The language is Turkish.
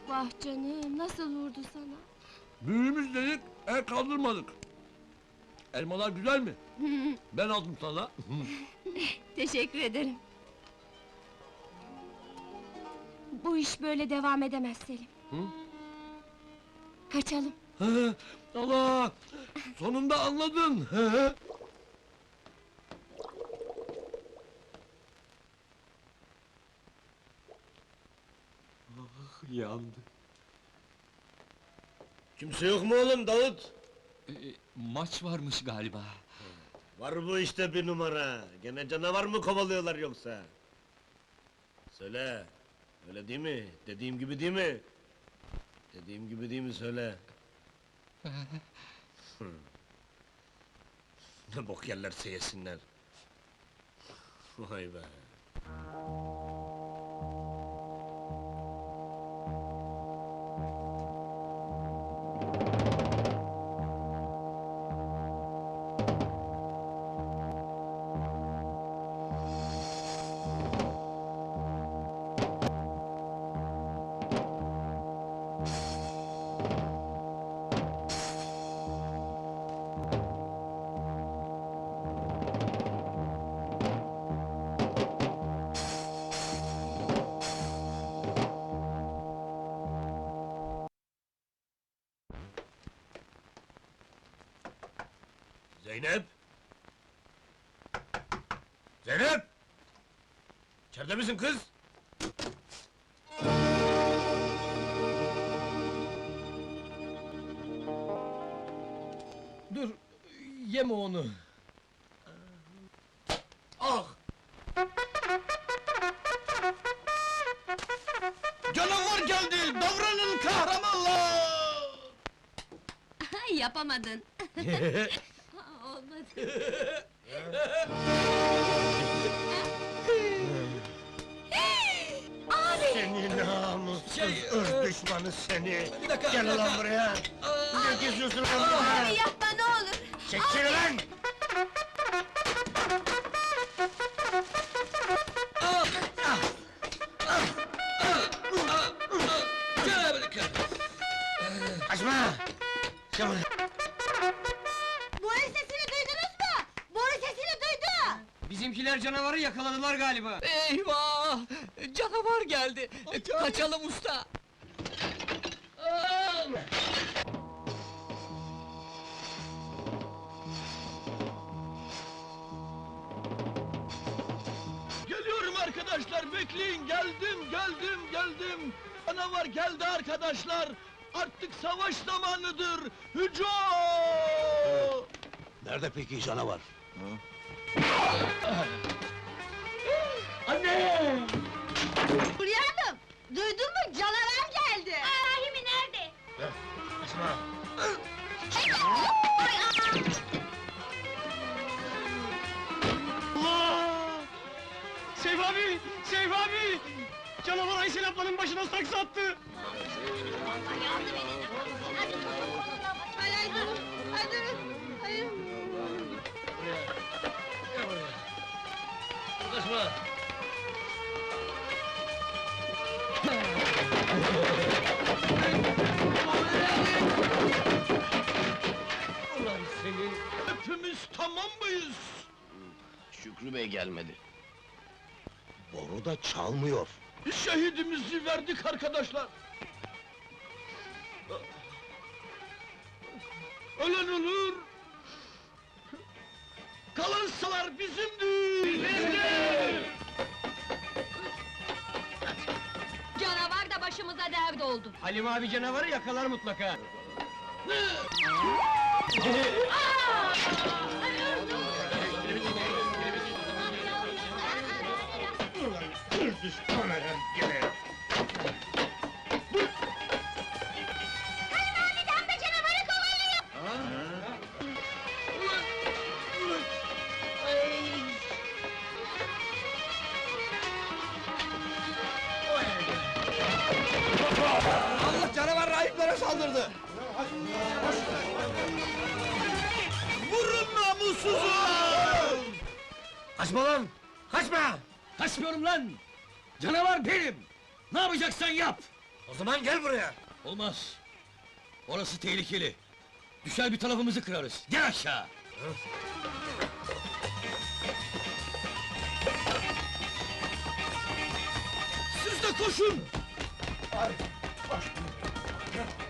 vah canım, nasıl vurdu sana? Büyüğümüz dedik, el kaldırmadık. Elmalar güzel mi? Ben aldım sana. Teşekkür ederim. Bu iş böyle devam edemez Selim. Hı? Kaçalım. Allah! Sonunda anladın! Yandı. Kimse yok mu oğlum Davut? Maç varmış galiba. Var bu işte bir numara. Gene canavar mı kovalıyorlar yoksa? Söyle. Öyle değil mi? Dediğim gibi değil mi? Dediğim gibi değil mi söyle? Ne bok yerlerse yesinler. Vay be. Zeynep! Zeynep! İçeride misin kız? Dur, yeme onu. Ah! Canavar geldi, davranın kahramanlar! Yapamadın. Olmadı. Seni namussuz Şey, ırz düşmanı seni! Bir dakika, Gel bir ulan dakika. buraya! Ne geziyorsun lan burada? Yapma ne olur. Çekil lan! Gel buraya! Kaçma! Çabuk! Boru sesini duydunuz mu? Boru sesini duydu. Bizimkiler canavarı yakaladılar galiba. Eyvah! Canavar geldi! Kaçalım usta! Geliyorum arkadaşlar, bekleyin! Geldim! Canavar geldi arkadaşlar! Artık savaş zamanıdır! Hücum! Nerede peki canavar? Hülya Hanım, duydun mu? Canavar geldi. Rahimi nerede? Kaçma! Seyf abi! Seyf abi! Canavar Aysel ablanın başına saksı attı! Yardım edin. Hadi. Hadi durun. Hadi durun. Hayır. Kaçma! Ulan senin! Hepimiz tamam mıyız? Şükrü Bey gelmedi. Boru da çalmıyor. Şehidimizi verdik arkadaşlar! Ölen ölür! Kalansalar bizimdir! Canavar da başımıza dert oldu. Halim abi canavarı yakalar mutlaka. Düşman herif gene! Sen de canavarı kovalıyor. Allah canavar rahiplere saldırdı! Vurun namussuzu! Kaçma lan! Kaçma! Kaçmıyorum lan! Canavar benim! Ne yapacaksan yap! O zaman gel buraya! Olmaz. Orası tehlikeli. Düşer bir tarafımızı kırarız. Gel aşağı. Siz de koşun! Ay, baş.